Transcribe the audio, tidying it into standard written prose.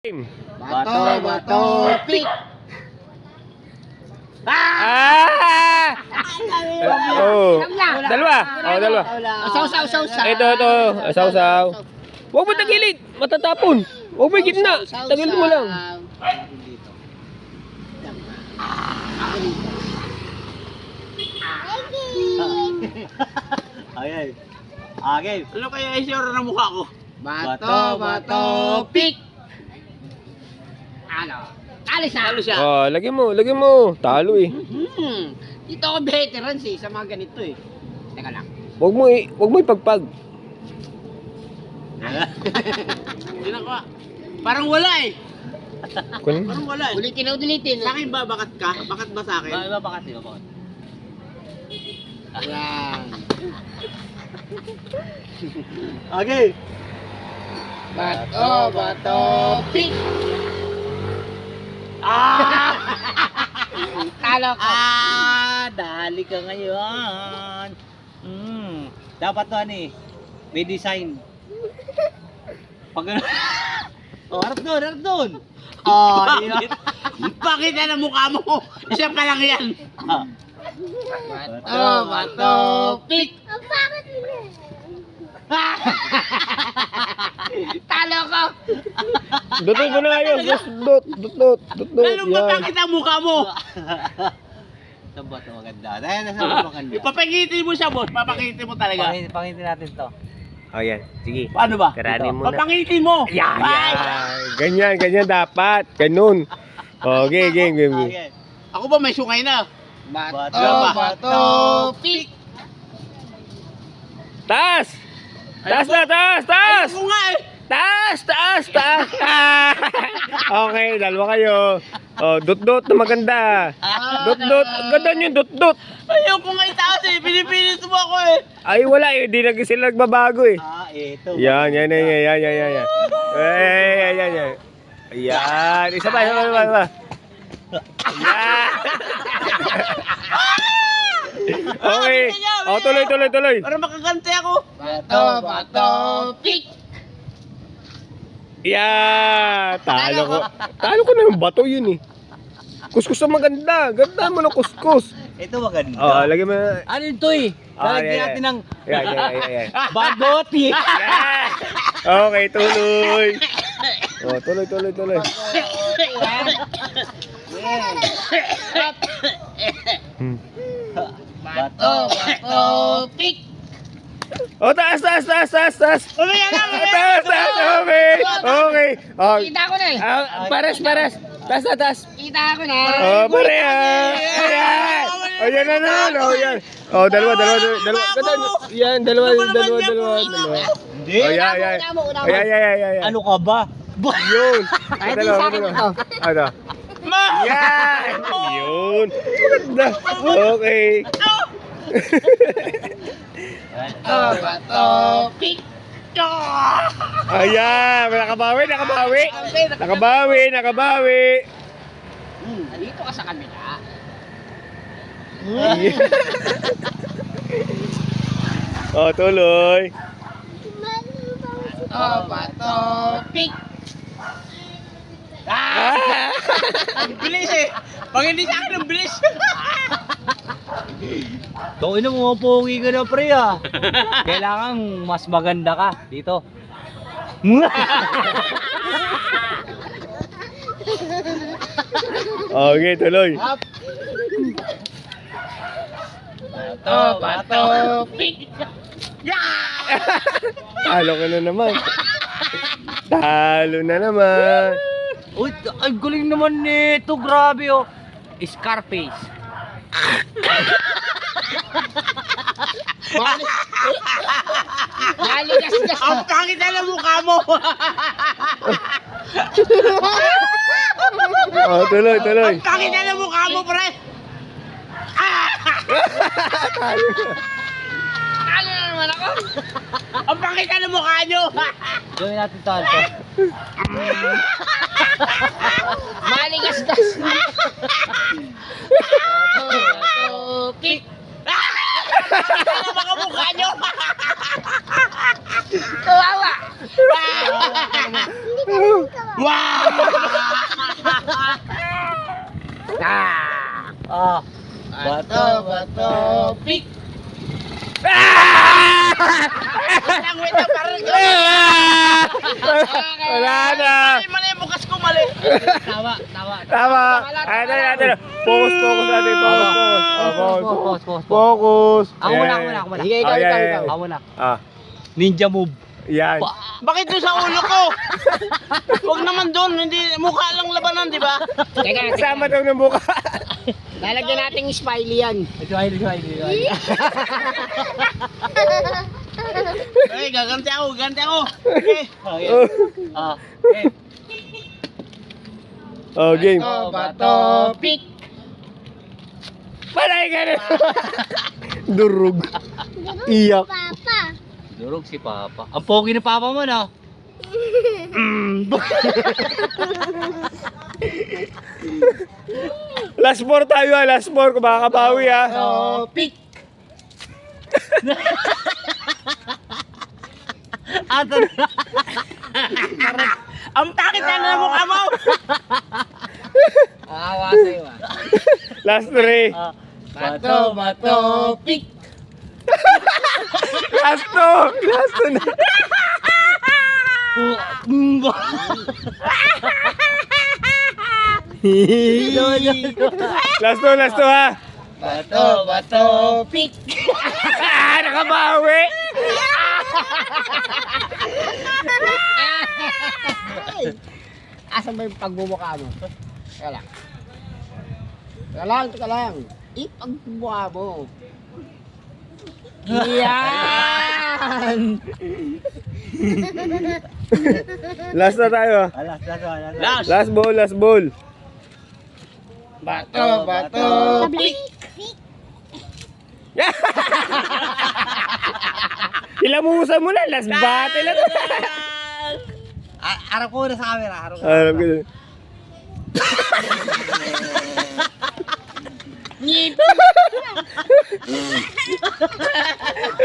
Bato, pick! Oh, dalawa. Oh, dalawa. Saw. Ito. Saw. Huwag mo tagilid. Matatapon. Huwag mo gitna. Tagilid mo lang. Okay. Okay. Ano kaya isura ng mukha ko? Bato, pick! Ano? Alis na! Ano siya? Oh, lagyan mo. Talo eh. Dito ako veterans sa mga ganito eh. Teka lang. Huwag mo ipagpag. Ginagawa. Parang wala eh. Kunin. Parang wala eh. Ulitin. Sa akin ba? Bakat ka? Bakat ba sa akin? Bakat. Yan. Okay. Bato, pick! Talo ko. Dali ka ngayon. Dapat to ano eh. May design. Pag ano. Harap doon. Oh, di ba? Bakit na ng mukha mo? Siya pa lang yan. Bato, pick! Talo ko. Dutot mo na yun. Dut. Ano ba bakit ang mukha mo? Sa bato maganda. Dahil nasa maganda. Ipapakitin mo siya, boss. Papakitin mo talaga. Pakitin natin to. Oh, yan. Sige. Paano ba? Karanin mo na. Papakitin mo. Yan. Ganyan dapat. Ganun. Okay, game. Okay. Ako ba may sungay na? Bato, pick! Taas na. Ayoko nga eh. Taas. Okay, dalawa kayo. Oh, dut na maganda. Dut. Ganda nyo, dut. Ayoko nga itaas eh. Pinipilit mo ako eh. Ay, wala eh. Di na sila nagbabago eh. Ito. Yan. Ayan. Ayan. Isa pa. Ayan. Okay. Oh, tuloy. Para makagante ako. Bato, pick! Yeah, Talo ko na yung bato yun eh. Kuskus na maganda. Ganda mo ng kuskus. Ito maganda. Oh, lagyan mo. Ano ito eh? Lalagyan natin ng Yan. bagoti. Yan. Okay, tuloy. Oh, tuloy. Bato, pick! Oh, taas. Umaya na. Taas. Okay. Oh, Kita ko na eh. pares. Taas. Kita ko na. Oh, pareha. Ayan. Oh, yan na. Oh, yan. Oh, dalawa. Ganda. Yan, dalawa. Hindi. Oh, yan. Ayan. Ano ka ba? Yun. Ay, di sa akin ito. Ano? Yan. Yun. Maganda. Okay. Bato, pick! Ayan. Nakabawi. Dito ka sa kamila. Oh, tuloy. Bato, pick! Ang bilis eh. Pag hindi sa akin, ang bilis. Tawin na mo, pogi ka na pre ah. Kailangan mas maganda ka dito. Okay, tuloy. Bato, pick! Talo ka na naman. Uy, ay galing naman nito, grabe oh. Scarface. Maligas-gas Ang pangit na ng mukha mo. Oh, tuloy. Ang pangit na ng mukha mo, pre. Talo na naman ako. Ang pangit na ng mukha nyo. Gawin natin to. Maligas-gas. Bato, pick! Ano mga mukha nyo? Kawawa! Ah. Bato, bato, pick. Lang, wait lang, parang Wala na. mali, bukas ko mali. Tawa, tawa. Tama. Ayan. Focus natin. Focus. Focus. Focus. Ako muna, Ayan. ako muna. Sige, ikaw, Ayan, ikaw, ayan. ikaw. Ako muna. Ah, Ninja move. yan. Bakit doon sa ulo ko? Huwag naman doon, hindi mukha lang labanan, di ba? Teka, Kasama daw ng buka. lalagyan natin yung smiley yan. Ito ay. Eh, gaganti ako. Okay. Okay. Ah. Okay. Oh, game. Bato, pick. Palay ka na. Durug. Iyak. Durog si Papa. Ang pogi ni Papa mo na. Last 4 tayo last 4. Kung makakabawi Bato, pick. Ato. Ang takit na ng mukha mo! Awa sa'yo ah. Last 3. Bato, bato, pick. Last 2. Last 2 na. Last 2 ha. Bato, bato, pick. Nakabawi. Asan ba yung pagbumukha mo? Teka lang. Teka lang. Ipagmukha mo. Yan! Last na tayo. Last. Last ball. Bato, bato, pick. Ilamusan mo na. Last battle na to. Harap ko na sa camera. Alam ko na. Ngip.